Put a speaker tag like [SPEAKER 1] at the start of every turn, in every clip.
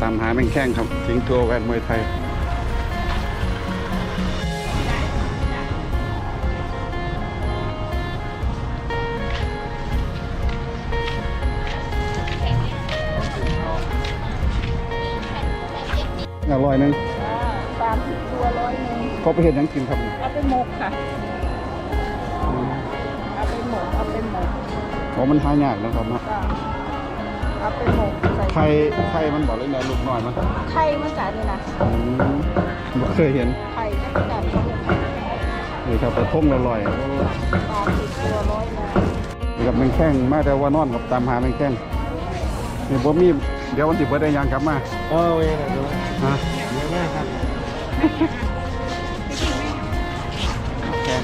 [SPEAKER 1] ามหาแมงแข้งครับทิ้งตัวแวนมวยไทยอร่อยนึง
[SPEAKER 2] 30 ตัว100
[SPEAKER 1] เขาไปเห็นยังกินครับ
[SPEAKER 2] เอาไปหมกค่ะเอาไปหมก
[SPEAKER 1] อ๋อมันหายากนะครับนะ
[SPEAKER 2] เอาไปหมก
[SPEAKER 1] ไข่มันบอกเลยนะลูกน้อยมัน
[SPEAKER 2] ไข่มันจัดนี่นะ
[SPEAKER 1] ไม่เคยเห็น
[SPEAKER 2] ไข่มันจัด
[SPEAKER 1] นี่ครับแต่ทุ่งละลอย
[SPEAKER 2] 30 ตัว100
[SPEAKER 1] กับแมงแข้งมาแต่ว่านอนกับตามหาแมงแข้งนี่บ่มีเดี๋ยววันที่เบิดได้ยังกลับมา
[SPEAKER 3] เองนะดู
[SPEAKER 1] ฮะ
[SPEAKER 3] เยอะมากครับ
[SPEAKER 1] แข้ง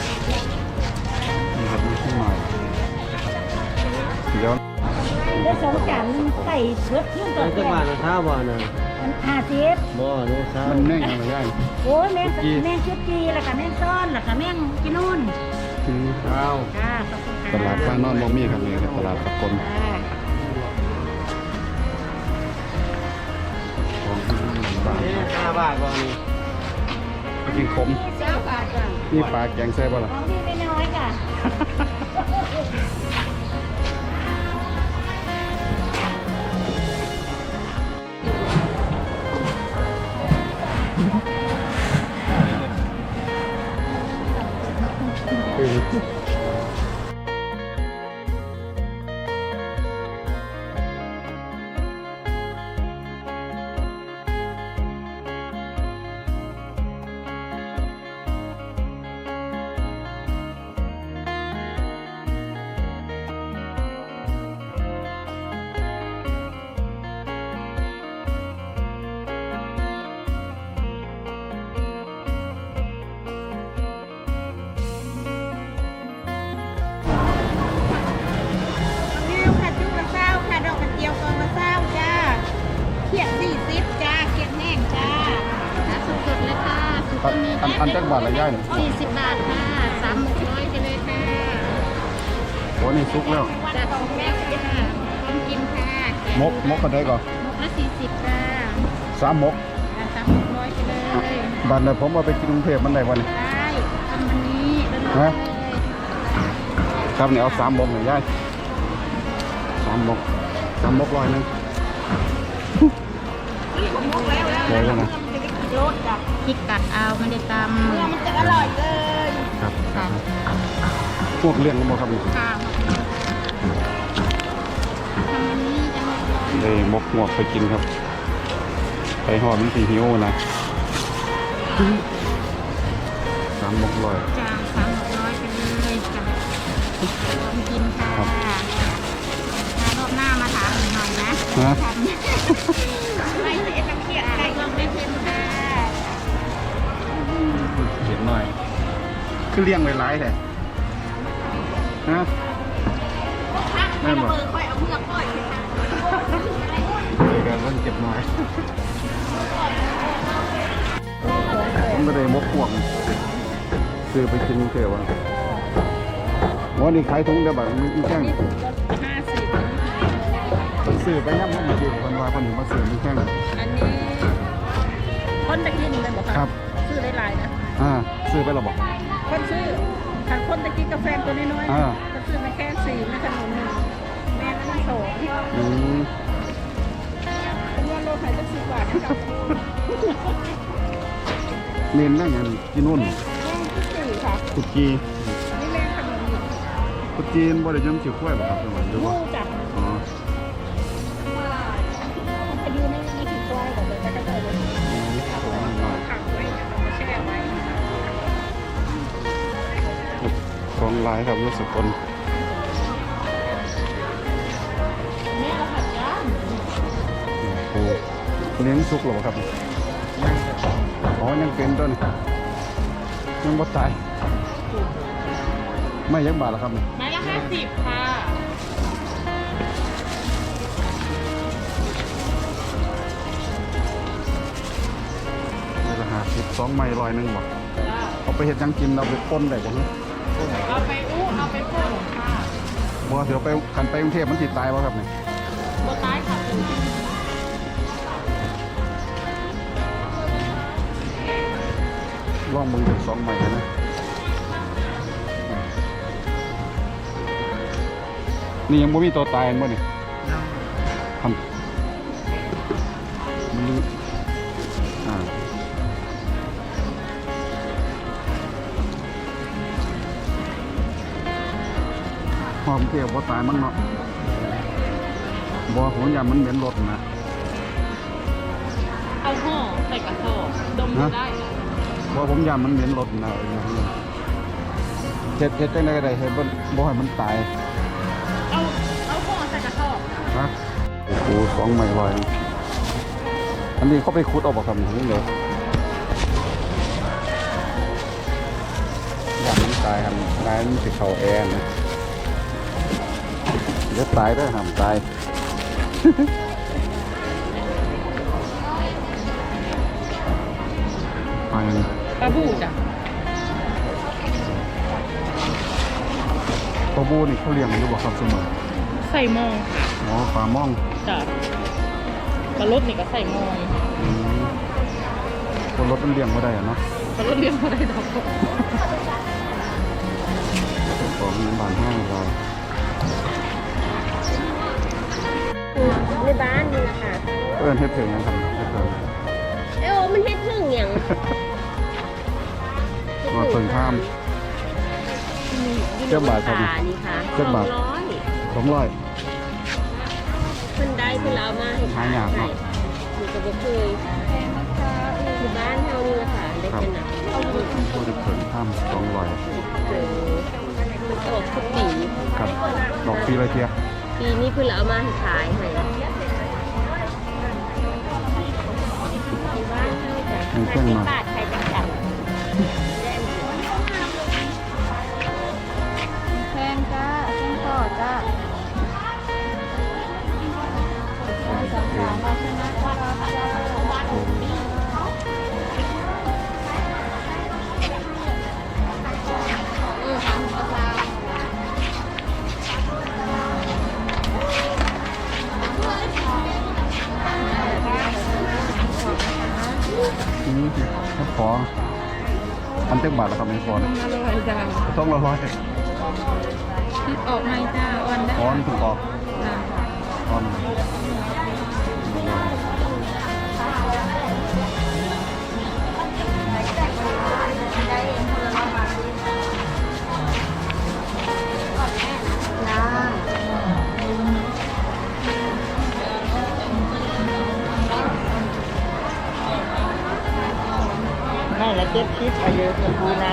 [SPEAKER 1] นี่ครับมีขึ้นใหม่เดี๋ยว
[SPEAKER 2] สองจานใส่เบิดยุ่งต่อ
[SPEAKER 3] จังหวัดเท้าบ่อน่ะ
[SPEAKER 2] 50
[SPEAKER 3] บ่อนี่เท้า
[SPEAKER 1] มันแม่งอะไรได้
[SPEAKER 2] โอ้ยแม่งชุดจีแล้วก็แม่งซ้อนแล้วก็แม่งกินนู่น
[SPEAKER 3] เท้า
[SPEAKER 1] ตลาดบ้านนอนบ่มีครับนี่ตลาดสกล
[SPEAKER 3] 5 บาทบ่อนี่
[SPEAKER 1] กินขมนี่ปลาแกงแซ่บบ่ล่ะ
[SPEAKER 2] ของพี่ไม่น้อยค่ะ
[SPEAKER 1] อันจักบาทละย่าย
[SPEAKER 2] 40 บาทค่ะ300ไปเลยค่ะ
[SPEAKER 1] โอ้นี่ซุกแล้ว
[SPEAKER 2] จากของแม่ค่ะพร้อมกินค่ะ
[SPEAKER 1] มกกันได้ก่อน
[SPEAKER 2] มกละ40ค่ะ
[SPEAKER 1] 3 มก
[SPEAKER 2] 300ไปเลย
[SPEAKER 1] บัตรเนี่ยผมเอาไปกินกรุงเทพมันได้วันนี้
[SPEAKER 2] ได้ทำวันนี้
[SPEAKER 1] ฮะครับเนี่ยเอา3 มกหน่อยย่าย3 มก100นึงเลยแล้วนะ
[SPEAKER 2] พริกกัดเอาไม่ได้ตำมันจะอร่อยเลย
[SPEAKER 1] ครับพวกเลี้ยงกันบ่ครับนี่
[SPEAKER 2] ค่ะ
[SPEAKER 1] เลยมกหมวกไปกินครับไปหอดมันสีหิวนะ3 มก100
[SPEAKER 2] จ้า300ไปเลยจ้าลองกินค่ะรอบหน้ามาถามหน่อยนะไม่เสียตะเกียบไก่ลองได้เพ็นค่ะ
[SPEAKER 1] เห็นหน่อยคือเลี้ยงไว้หลายแท้ฮะ
[SPEAKER 2] แม่บอกค่อยเอาเมือกค่อย
[SPEAKER 1] เดี๋ยวกันเก็บหน่อยผมก็เลยมกพวกซื้อไปกินเกลือวะวันนี้ขายถุงเดียวแบบมีแข้ง
[SPEAKER 2] 50
[SPEAKER 1] ซื้อไปย่ำมันดีคนว่าคนหนึ่งมาซื้อมีแข้ง
[SPEAKER 2] อันนี้คนตะกี้นี่มันบอก
[SPEAKER 1] ครับ
[SPEAKER 2] ซื้อหลายๆนะ
[SPEAKER 1] ซื้อไปหรอบอก
[SPEAKER 2] คนซื้อขันคนตะกี้กาแฟตัวน้อยๆก็ซื้อมาแค่4ไม่ขนม1แม่ก็ต้อง2เป็นว่าโลขายจะ10 บาทนะครับ
[SPEAKER 1] เมนนั่งอย่างกินนุ่น
[SPEAKER 2] ค่ะ
[SPEAKER 1] กุดจี
[SPEAKER 2] นี่แม่ขนมอยู่
[SPEAKER 1] กุดจีนบ่ได้ย่ำเฉียวขั้วบ่ครับจังหวัดหรือว่า
[SPEAKER 2] จับพายุไม่ถึงกล้วยแต่จะกระโดดเลยขังไว้แช่ไว้
[SPEAKER 1] ของลายครับรู้สึกคน
[SPEAKER 2] แม่เราผัดย่าง
[SPEAKER 1] โอ้เลี้ยงสุกหรอครับอ๋อยังเป็นต้นยังบ่ตายไม่ยักบาทหรอครับ
[SPEAKER 2] ไม้ละ50ค่ะ
[SPEAKER 1] ไม่ละ52 ไม่100นึงบ่เอาไปเห็ดยังกินเราไปป้นได้บ่ฮะ
[SPEAKER 2] เอาไปเอาไปพ่นค่ะ
[SPEAKER 1] บ่เดี๋ยวไปขันไปกรุงเทพมันติดตายบ่ครับเนี่ย
[SPEAKER 2] บ่ตายค่ะ
[SPEAKER 1] ลองมือจาก2ใหม่นะนี่ยังไม่มีตัวตายมั้งนี่ทำมันหอมเกี่ยวบ่ตายมันเนาะบ่ผมอยากมันเหม็นรถนะ
[SPEAKER 2] เอาห่อใส่กระสอบดมดูได้ค่ะ
[SPEAKER 1] บ่ผมอยากมันเหม็นรถนะเฮ็ดจังได๋ก็ได้ให้บ่ให้มันตาย
[SPEAKER 2] เอาห่อใส่กระสอบ
[SPEAKER 1] ฮะโอ้โห2ใหม่ลอยอันนี้เขาไปขุดออกบ่ครับนี่เด้ออยากมันตายครับตายมันสิเข้าแอร์นะเดี๋ยวตายเด้อห้ามตาย ไป
[SPEAKER 2] ปลาบูจ้ะ
[SPEAKER 1] ปลาบูนี่เขาเลี้ยงอยู่บ่ครับเสมอ
[SPEAKER 2] ใส่มองค่ะ
[SPEAKER 1] อ๋อปลาม่อง
[SPEAKER 2] จ้ะปลารสนี่ก็ใส่มอง
[SPEAKER 1] คนรถมันเลี้ยงไม่ได้อะเนาะ
[SPEAKER 2] ปลารสเลี้ยงมาได้ดอก
[SPEAKER 1] ของบานห้างเรา
[SPEAKER 4] ในบ้านนี่แหละค่ะ
[SPEAKER 1] เฮ็ดถึงยังครับเฮ็ดถึง
[SPEAKER 4] เอ้ามันเฮ็ดถึงอย่าง
[SPEAKER 1] ว่าเพิ่งข้าม เจ้าบาทครับ
[SPEAKER 4] นี่ค่ะ
[SPEAKER 1] เจ้าบาท 200
[SPEAKER 4] เพิ่นได้เพิ่นเอามาให้
[SPEAKER 1] หายากเนาะ
[SPEAKER 4] นี่ก็บ่เคยที่บ้านเฮานี่แหละค่ะได้
[SPEAKER 1] ครับ
[SPEAKER 4] ขนาด
[SPEAKER 1] พูดถึงเพิ่งข้าม200
[SPEAKER 4] เจอมันออกทุกปี
[SPEAKER 1] ครับดอกปีละเทีย
[SPEAKER 4] ปีนี้เพิ่นเอามาให้ขายให้ที่บ้านเฮาจ้ะ
[SPEAKER 1] มีเครื่องมา
[SPEAKER 4] 50 บาทใครจะจับ
[SPEAKER 2] แพงจ้าแพงทอดจ้ามาชนะ
[SPEAKER 1] นี่ถ้าขออันเต็มบาทแล้วครับไม่พอนะ
[SPEAKER 2] อร่อยจ้า
[SPEAKER 1] ต้องละร้อย
[SPEAKER 2] คิดออกไหมจ้าอ่อนได้
[SPEAKER 1] ออนถูกออก
[SPEAKER 2] จ้า
[SPEAKER 1] ออน
[SPEAKER 3] ไม่ละ70อายุชมพูนะ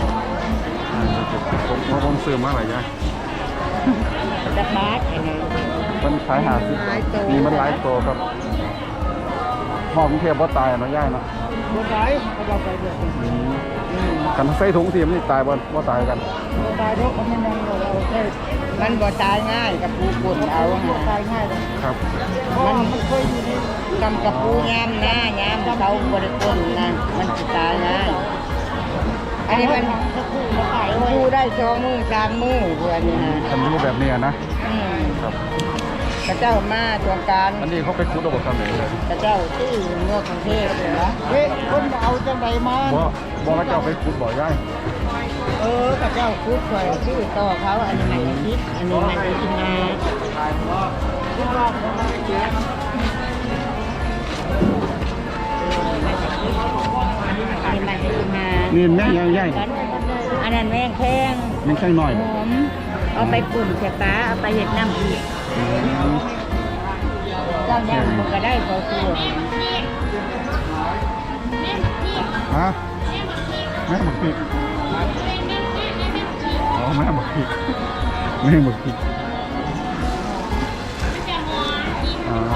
[SPEAKER 1] ผมซื้อมาหลายอย่าง
[SPEAKER 3] จักบาทอันนี้
[SPEAKER 1] มันขาย50นี่มันหลายตัวครับหอมเทียบว่าตายเนาะย่ายเนาะ
[SPEAKER 3] บ่ได้เอาไปเด้อ
[SPEAKER 1] กันใส่ถุงทีมนี่ตายบ่ตายกัน
[SPEAKER 3] บ่ตายดอกมันยังเราแค่มันบ่ตายง่ายกับปูป่นเอาบ่ตายง่าย
[SPEAKER 1] ครับ
[SPEAKER 3] มันเคยอยู่ในกำกับปูยามหน้ายามเขาบริกรนะมันจะตายง่ายอันนี้มันอยู่ได้2 มื้อ 3 มื้อเพื่อนนี่นะ
[SPEAKER 1] อันนี้แบบนี้นะ ครับ
[SPEAKER 3] พระเจ้ามาช่วงการ
[SPEAKER 1] อันนี้เขาไปคุดเอาบททำไหนเลย
[SPEAKER 3] พระเจ้าที่เมืองกรุงเทพเหรอเฮ้ยคนเอาจังไดมา
[SPEAKER 1] บ่ว่าเจ้าไปคุดบ่ย่าย
[SPEAKER 3] พระเจ้าพูดคอยชื่อต่อเขาอันนี้มันคิดอันนี้มันกินมาคิดว่าเขามาเสียอันนี้มันกินมา
[SPEAKER 1] นี่แม่งย่าย
[SPEAKER 3] อันนั้นแม่งแข้ง
[SPEAKER 1] มันแค่น้อย
[SPEAKER 3] หอมเอาไปปุ่นใส่ปลาเอาไปเห็ดน้ำอีกเจ้าเนี่ยมันก็ได้พอตัว
[SPEAKER 1] ฮะแม่หมกพริกอ๋อแม่หมกพริกแม่หมกพริกอ๋อ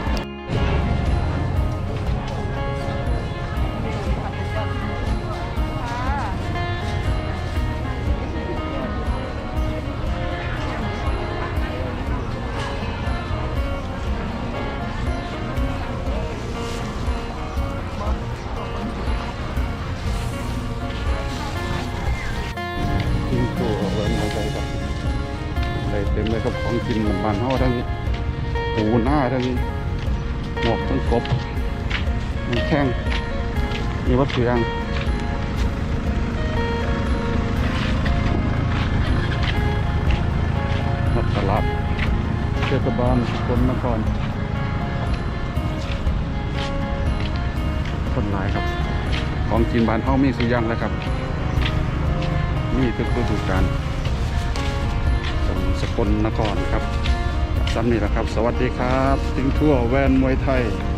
[SPEAKER 1] ทิ้งตัวเอาไว้ในใจครับได้เต็มเลยครับของกินบ้านเฮาทั้งปูหน้าทั้งหมวกทั้งกบมีแข้งมีวัตถุยางทศบาลสกลนครคนหลายครับของกินบ้านเฮามีสุอย่างแล้วครับมีทุกฤดูกาลสกลนครครับซ้ำนี่แหละครับสวัสดีครับทิ้งทั่วแวนมวยไทย